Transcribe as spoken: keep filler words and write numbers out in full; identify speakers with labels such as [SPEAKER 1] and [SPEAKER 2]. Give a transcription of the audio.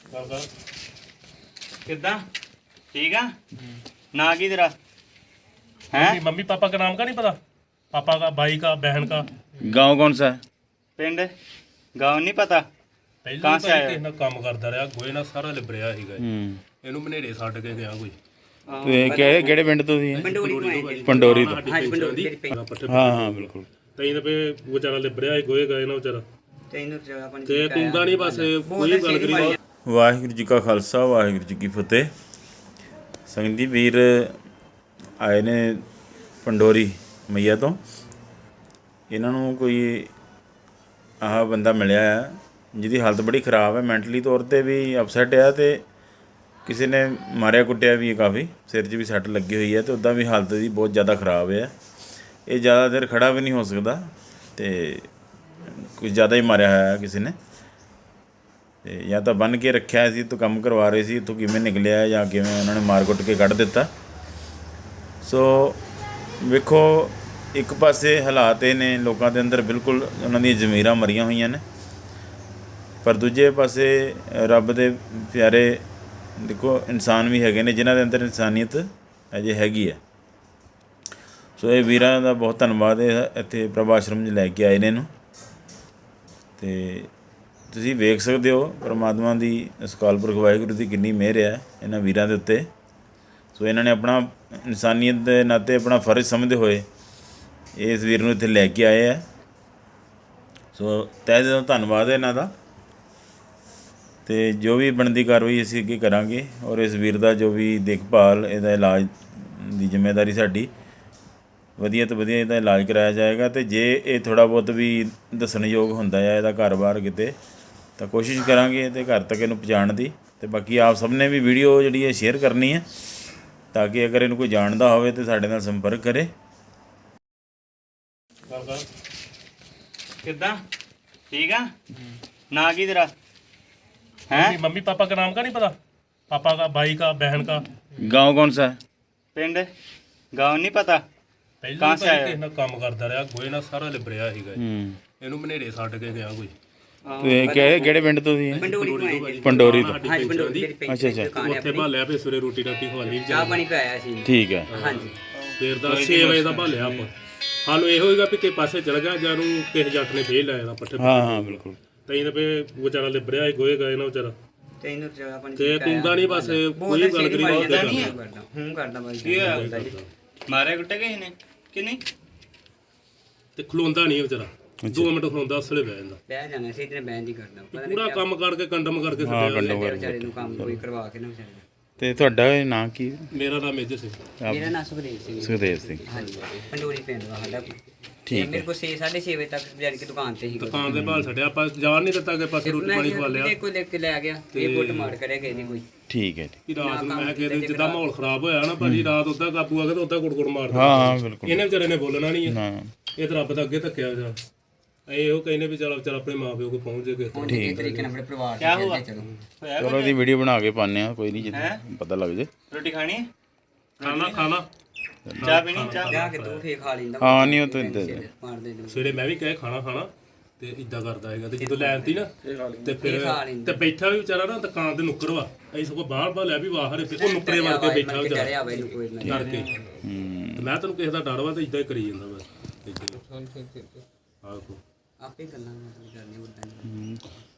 [SPEAKER 1] किदा ठीक है ना की तेरा है?
[SPEAKER 2] मम्मी पापा का नाम का नहीं पता? पापा का, भाई का, बहन का।
[SPEAKER 3] गांव कौन सा है?
[SPEAKER 1] पिंड गाँव नहीं पता।
[SPEAKER 2] ਪਹਿਲਾਂ
[SPEAKER 1] कहाँ
[SPEAKER 2] ਤਾਂ
[SPEAKER 1] से आया?
[SPEAKER 2] ਕਿਸੇ ਨਾਲ ਕੰਮ ਕਰਦਾ ਰਿਹਾ, ਗੋਏ ਨਾਲ ਸਾਰਾ ਲਿਬਰਿਆ ਸੀਗਾ ਇਹ।
[SPEAKER 3] ਹੂੰ
[SPEAKER 2] ਇਹਨੂੰ ਮਨੇਰੇ ਛੱਡ ਕੇ ਗਿਆ ਕੋਈ।
[SPEAKER 3] ਤੇ ਕਿਹੜੇ ਕਿਹੜੇ ਪਿੰਡ ਤੋਂ ਸੀ ਇਹ?
[SPEAKER 2] ਪੰਡੋਰੀ ਤੋਂ
[SPEAKER 3] ਪੰਡੋਰੀ ਤੋਂ।
[SPEAKER 2] ਹਾਂ ਪੰਡੋਰੀ ਪੱਠੇ
[SPEAKER 3] ਹਾਂ ਹਾਂ ਬਿਲਕੁਲ।
[SPEAKER 2] ਤੈਨੂੰ ਤੇ ਫੇ ਵਿਚਾਰਾ ਲਿਬਰਿਆ ਸੀ, ਗੋਏ ਗਏ ਨਾ ਵਿਚਾਰਾ।
[SPEAKER 4] ਤੈਨੂੰ ਜਗ੍ਹਾ ਪਾਣੀ
[SPEAKER 2] ਤੇ ਤੂੰ ਤਾਂ ਨਹੀਂ ਬਸ ਕੋਈ ਗੱਲ ਕਰੀ।
[SPEAKER 3] ਵਾਹਿਗੁਰੂ ਜੀ ਕਾ ਖਾਲਸਾ ਵਾਹਿਗੁਰੂ ਜੀ ਕੀ ਫਤਿਹ। ਸੰਗਤ ਜੀ ਵੀਰ ਆਏ ਨੇ ਪੰਡੋਰੀ ਮਈਆ ਤੋਂ। ਇਹਨਾਂ ਨੂੰ ਕੋਈ ਆਹ ਬੰਦਾ ਮਿਲਿਆ ਹੈ ਜਿਹਦੀ ਹਾਲਤ ਬੜੀ ਖ਼ਰਾਬ ਹੈ, ਮੈਂਟਲੀ ਤੌਰ 'ਤੇ ਵੀ ਅਪਸੈਟ ਆ, ਅਤੇ ਕਿਸੇ ਨੇ ਮਾਰਿਆ ਕੁੱਟਿਆ ਵੀ ਹੈ, ਕਾਫੀ ਸਿਰ 'ਚ ਵੀ ਸੱਟ ਲੱਗੀ ਹੋਈ ਹੈ, ਅਤੇ ਉੱਦਾਂ ਵੀ ਹਾਲਤ ਦੀ ਬਹੁਤ ਜ਼ਿਆਦਾ ਖ਼ਰਾਬ ਹੈ। ਇਹ ਜ਼ਿਆਦਾ ਦੇਰ ਖੜ੍ਹਾ ਵੀ ਨਹੀਂ ਹੋ ਸਕਦਾ, ਅਤੇ ਕੁਝ ਜ਼ਿਆਦਾ ਹੀ ਮਾਰਿਆ ਹੋਇਆ ਕਿਸੇ ਨੇ, ਅਤੇ ਜਾਂ ਤਾਂ ਬੰਨ੍ਹ ਕੇ ਰੱਖਿਆ ਸੀ, ਇੱਥੋਂ ਕੰਮ ਕਰਵਾ ਰਹੇ ਸੀ, ਇੱਥੋਂ ਕਿਵੇਂ ਨਿਕਲਿਆ ਜਾਂ ਕਿਵੇਂ ਉਹਨਾਂ ਨੇ ਮਾਰ ਕੁੱਟ ਕੇ ਕੱਢ ਦਿੱਤਾ। ਸੋ ਵੇਖੋ, ਇੱਕ ਪਾਸੇ ਹਾਲਾਤ ਇਹ ਨੇ ਲੋਕਾਂ ਦੇ ਅੰਦਰ ਬਿਲਕੁਲ ਉਹਨਾਂ ਦੀਆਂ ਜ਼ਮੀਰਾਂ ਮਰੀਆਂ ਹੋਈਆਂ ਨੇ, ਪਰ ਦੂਜੇ ਪਾਸੇ ਰੱਬ ਦੇ ਪਿਆਰੇ ਦੇਖੋ ਇਨਸਾਨ ਵੀ ਹੈਗੇ ਨੇ ਜਿਨ੍ਹਾਂ ਦੇ ਅੰਦਰ ਇਨਸਾਨੀਅਤ ਅਜੇ ਹੈਗੀ ਹੈ। ਸੋ ਇਹ ਵੀਰਾਂ ਦਾ ਬਹੁਤ ਧੰਨਵਾਦ ਹੈ, ਇੱਥੇ ਪ੍ਰਭ ਆਸ਼ਰਮ 'ਚ ਲੈ ਕੇ ਆਏ ਨੇ ਇਹਨੂੰ, ਅਤੇ ਤੁਸੀਂ ਵੇਖ ਸਕਦੇ ਹੋ ਪਰਮਾਤਮਾ ਦੀ ਅਕਾਲ ਪੁਰਖ ਵਾਹਿਗੁਰੂ ਦੀ ਕਿੰਨੀ ਮਿਹਰ ਹੈ ਇਹਨਾਂ ਵੀਰਾਂ ਦੇ ਉੱਤੇ। ਸੋ ਇਹਨਾਂ ਨੇ ਆਪਣਾ ਇਨਸਾਨੀਅਤ ਦੇ ਨਾਤੇ ਆਪਣਾ ਫਰਜ਼ ਸਮਝਦੇ ਹੋਏ ਇਸ ਵੀਰ ਨੂੰ ਇੱਥੇ ਲੈ ਕੇ ਆਏ ਹੈ। ਸੋ ਤਹਿ ਦਿਲੋਂ ਧੰਨਵਾਦ ਹੈ ਇਹਨਾਂ ਦਾ, ਅਤੇ ਜੋ ਵੀ ਬਣਦੀ ਕਾਰਵਾਈ ਅਸੀਂ ਅੱਗੇ ਕਰਾਂਗੇ, ਔਰ ਇਸ ਵੀਰ ਦਾ ਜੋ ਵੀ ਦੇਖਭਾਲ, ਇਹਦਾ ਇਲਾਜ ਦੀ ਜ਼ਿੰਮੇਵਾਰੀ ਸਾਡੀ, ਵਧੀਆ ਤੋਂ ਵਧੀਆ ਇਹਦਾ ਇਲਾਜ ਕਰਾਇਆ ਜਾਏਗਾ। ਅਤੇ ਜੇ ਇਹ ਥੋੜ੍ਹਾ ਬਹੁਤ ਵੀ ਦੱਸਣਯੋਗ ਹੁੰਦਾ ਹੈ ਇਹਦਾ ਘਰ-ਬਾਰ ਕਿਤੇ, ਤਾਂ ਕੋਸ਼ਿਸ਼ ਕਰਾਂਗੇ ਇਹਦੇ ਘਰ ਤੱਕ ਇਹਨੂੰ ਪਹੁੰਚਾਉਣ ਦੀ। ਅਤੇ ਬਾਕੀ ਆਪ ਸਭ ਨੇ ਵੀ ਵੀਡੀਓ ਜਿਹੜੀ ਹੈ ਸ਼ੇਅਰ ਕਰਨੀ ਹੈ, ਤਾਂ ਕਿ ਅਗਰ ਇਹਨੂੰ ਕੋਈ ਜਾਣਦਾ ਹੋਵੇ ਤਾਂ ਸਾਡੇ ਨਾਲ ਸੰਪਰਕ ਕਰੇ।
[SPEAKER 1] किदा ठीक है ना की तेरा है?
[SPEAKER 2] मम्मी पापा का नाम का नहीं पता? पापा का, भाई का, बहन का।
[SPEAKER 3] गांव कौन सा है?
[SPEAKER 1] पिंड गाँव नहीं पता।
[SPEAKER 2] ਪਹਿਲਾਂ
[SPEAKER 1] कहाँ
[SPEAKER 2] ਤਾਂ
[SPEAKER 1] से आया?
[SPEAKER 2] ਕਿਸੇ ਨਾਲ ਕੰਮ ਕਰਦਾ ਰਿਹਾ, ਗੋਏ ਨਾਲ ਸਾਰਾ ਲਿਬਰਿਆ ਸੀਗਾ ਇਹ।
[SPEAKER 3] ਹੂੰ
[SPEAKER 2] ਇਹਨੂੰ ਮਨੇਰੇ ਛੱਡ ਕੇ ਗਿਆ ਕੋਈ।
[SPEAKER 3] ਤੇ ਕਿਹੜੇ ਕਿਹੜੇ ਪਿੰਡ ਤੋਂ ਸੀ ਇਹ?
[SPEAKER 4] ਪੰਡੋਰੀ ਤੋਂ ਆਏ
[SPEAKER 3] ਪੰਡੋਰੀ ਤੋਂ।
[SPEAKER 4] ਹਾਂਜੀ ਪੰਡੋਰੀ ਜਿਹੜੀ ਪਿੰਡ
[SPEAKER 3] ਅੱਛਾ ਅੱਛਾ
[SPEAKER 4] ਦੁਕਾਨ ਹੈ
[SPEAKER 2] ਉੱਥੇ
[SPEAKER 4] ਆਪਣੀ,
[SPEAKER 2] ਭਾਲਿਆ ਫੇ ਸਵੇਰੇ ਰੋਟੀ ਰਾਟੀ ਖਵਾ ਲਈ
[SPEAKER 4] ਚਾਹ ਪਾਣੀ ਪਿਆਇਆ ਸੀ।
[SPEAKER 3] ਠੀਕ ਹੈ।
[SPEAKER 4] ਹਾਂਜੀ
[SPEAKER 2] ਫੇਰ ਦਾ ਛੇ ਵਜੇ ਦਾ ਭਾਲਿਆ ਆਪਾਂ। ਸਾਨੂੰ ਇਹੋ ਹੋਏਗਾ ਵੀ ਕਿ ਪਾਸੇ ਚਲ ਗਿਆ ਜਾਂ ਨੂੰ ਕਿਸੇ ਜੱਟ ਨੇ ਫੇਰ ਲਾਇਆ ਦਾ ਪੱਠੇ।
[SPEAKER 3] ਹਾਂ ਹਾਂ ਬਿਲਕੁਲ।
[SPEAKER 2] ਤੈਨੂੰ ਫੇ ਵਿਚਾਰਾ ਲਿਬਰਿਆ ਸੀ, ਗੋਏ ਗਏ ਨਾ ਵਿਚਾਰਾ।
[SPEAKER 4] ਤੈਨੂੰ ਜਗ੍ਹਾ ਪਾਣੀ
[SPEAKER 2] ਤੇ ਤੂੰ ਤਾਂ ਨਹੀਂ ਬਸ ਕੋਈ ਗੱਲ ਕਰੀ।
[SPEAKER 4] ਹੂੰ ਕਰਦਾ ਬਾਈ
[SPEAKER 1] की होया? मारे कुट्टे किसी ने कि नहीं?
[SPEAKER 2] ਤੇ ਖਲੋਂਦਾ ਨਹੀਂ ਵਿਚਾਰਾ, ਦੋ ਮਿੰਟ ਖਲੋਂਦਾ ਉਸਲੇ ਬਹਿ ਜਾਂਦਾ।
[SPEAKER 4] ਬਹਿ ਜਾਣਾ ਸੀ ਇਤਨੇ ਬਹਿਣ ਦੀ ਕਰਦਾ ਪਤਾ
[SPEAKER 2] ਪੂਰਾ ਕੰਮ ਕਰਕੇ ਕੰਡਮ ਕਰਕੇ
[SPEAKER 3] ਹਾਂ
[SPEAKER 2] ਛੱਡਿਆ।
[SPEAKER 3] ਕੰਡੋ ਕਰ।
[SPEAKER 4] ਵਿਚਾਰੇ ਨੂੰ ਕੰਮ ਕੋਈ ਕਰਵਾ ਕੇ ਨਾ ਵਿਚਾਰੇ ਨੂੰ।
[SPEAKER 3] ਤੇ ਤੁਹਾਡਾ ਇਹ ਨਾਂ ਕੀ?
[SPEAKER 2] ਮੇਰਾ ਨਾਮ ਮੇਜਰ ਸਿੰਘ।
[SPEAKER 4] ਮੇਰਾ ਨਾਮ ਸੁਖਦੇਵ ਸਿੰਘ।
[SPEAKER 3] ਸੁਖਦੇਵ ਸਿੰਘ।
[SPEAKER 4] ਹਾਂਜੀ ਪੰਡੋਰੀ ਪਿੰਡ ਦਾ ਸਾਡਾ।
[SPEAKER 3] ਠੀਕ
[SPEAKER 4] ਮੇਰੇ ਕੋਲ ਛੇ ਸਾਢੇ ਛੇ ਵਜੇ ਤੱਕ ਜਾਨ ਕੇ ਦੁਕਾਨ ਤੇ ਹੀ
[SPEAKER 2] ਦੁਕਾਨ ਦੇ ਭਾਲ ਛੱਡਿਆ, ਆਪਾਂ ਜਾਣ ਨਹੀਂ ਦਿੱਤਾ ਕਿ ਪਾਸੇ ਰੋਟੀ ਪਾਣੀ ਖਵਾ ਲਿਆ।
[SPEAKER 4] ਕੋਈ ਲੈ ਕੇ ਲੈ ਗਿਆ, ਇਹ ਫੁੱਟ ਮਾਰ ਕਰਿਆ ਗਏ ਨਹੀਂ ਕੋਈ।
[SPEAKER 3] ਠੀਕ ਹੈ।
[SPEAKER 2] ਕਿ ਰਾਤ ਨੂੰ ਮੈਂ ਕਿਹਾ ਜਿੱਦਾਂ ਮਾਹੌਲ ਖਰਾਬ ਹੋਇਆ ਨਾ ਭਾਜੀ, ਰਾਤ ਉੱਦਾਂ ਕਾਬੂ ਆ ਗਿਆ ਤਾਂ ਉੱਦਾਂ ਗੁੜ ਗੁੜ ਮਾਰਦਾ।
[SPEAKER 3] ਹਾਂ ਹਾਂ ਬਿਲਕੁਲ।
[SPEAKER 2] ਇਹਨੇ ਵਿਚਾਰੇ ਨੇ ਬੋਲਣਾ ਨਹੀਂ ਹੈ,
[SPEAKER 3] ਨਾ
[SPEAKER 2] ਇਹ ਤਾਂ ਰੱਬ ਦਾ ਅੱਗੇ ਧੱਕਿਆ ਵਿਚਾਰਾ। ਇਹ ਉਹ ਕਹਿੰਦੇ ਵੀ ਚਲ ਵਿਚਾਰਾ ਆਪਣੇ ਮਾਂ ਪਿਓ ਕੋਲ ਪਹੁੰਚ ਜੇ ਕਿਸੇ ਤਰ੍ਹਾਂ।
[SPEAKER 4] ਠੀਕ ਤਰੀਕੇ ਨਾਲ ਆਪਣੇ ਪਰਿਵਾਰ
[SPEAKER 1] क्या
[SPEAKER 4] ਦੇ
[SPEAKER 1] हुआ?
[SPEAKER 4] ਚਲੋ
[SPEAKER 1] होया
[SPEAKER 3] ਚਲੋ ਇਹਦੀ ਵੀਡੀਓ ਬਣਾ ਕੇ ਪਾਉਂਦੇ ਹਾਂ, ਕੋਈ ਨਹੀਂ, ਜਿੱਦਾਂ ਪਤਾ ਲੱਗ ਜੇ।
[SPEAKER 1] रोटी खानी है?
[SPEAKER 2] ਖਾਣਾ ਖਾਣਾ
[SPEAKER 1] चाह पीनी? चाह
[SPEAKER 4] ਜਾ ਕੇ ਤੂੰ ਫੇਰ ਖਾ ਲੈਂਦਾ।
[SPEAKER 3] ਹਾਂ ਨਹੀਂ ਉਹ ਤਾਂ
[SPEAKER 4] ਮਾਰ ਦੇ ਦੂੰ।
[SPEAKER 2] ਸਵੇਰੇ ਮੈਂ ਵੀ ਕਹੇ ਖਾਣਾ ਖਾਣਾ ਤੇ ਇਦਾਂ ਕਰਦਾ ਹੈਗਾ। ਤੇ ਜਦੋਂ ਲੈ ਆਂਦੀ ਨਾ ਤੇ ਫਿਰ
[SPEAKER 4] ਖਾ ਲੈਂਦਾ।
[SPEAKER 2] ਤੇ ਬੈਠਾ ਵੀ ਵਿਚਾਰਾ ਨਾ ਦੁਕਾਨ ਤੇ ਨੁੱਕਰ ਵਾ। ਅਸੀਂ ਸਗੋਂ ਬਾਹਰ ਬਾਹਰ ਲੈ ਵੀ ਬਾਹਰ ਉਹ ਨੁੱਕਰੇ ਵੜ ਕੇ ਬੈਠਾ ਵਿਚਾਰਾ
[SPEAKER 4] ਚੜਿਆ ਬਈ ਨੂੰ ਕੋਈ ਨਾ
[SPEAKER 2] ਕਰਕੇ।
[SPEAKER 3] ਹੂੰ
[SPEAKER 2] ਤੇ ਮੈਂ ਤੈਨੂੰ ਕਿਸੇ ਦਾ ਡਰ ਵਾ ਤੇ ਇਦਾਂ ਹੀ ਕਰੀ ਜਾਂਦਾ ਬਸ। ਆਹੋ
[SPEAKER 4] ਆਪੇ ਗੱਲਾਂ ਕਰਨੀ ਉਦਾਂ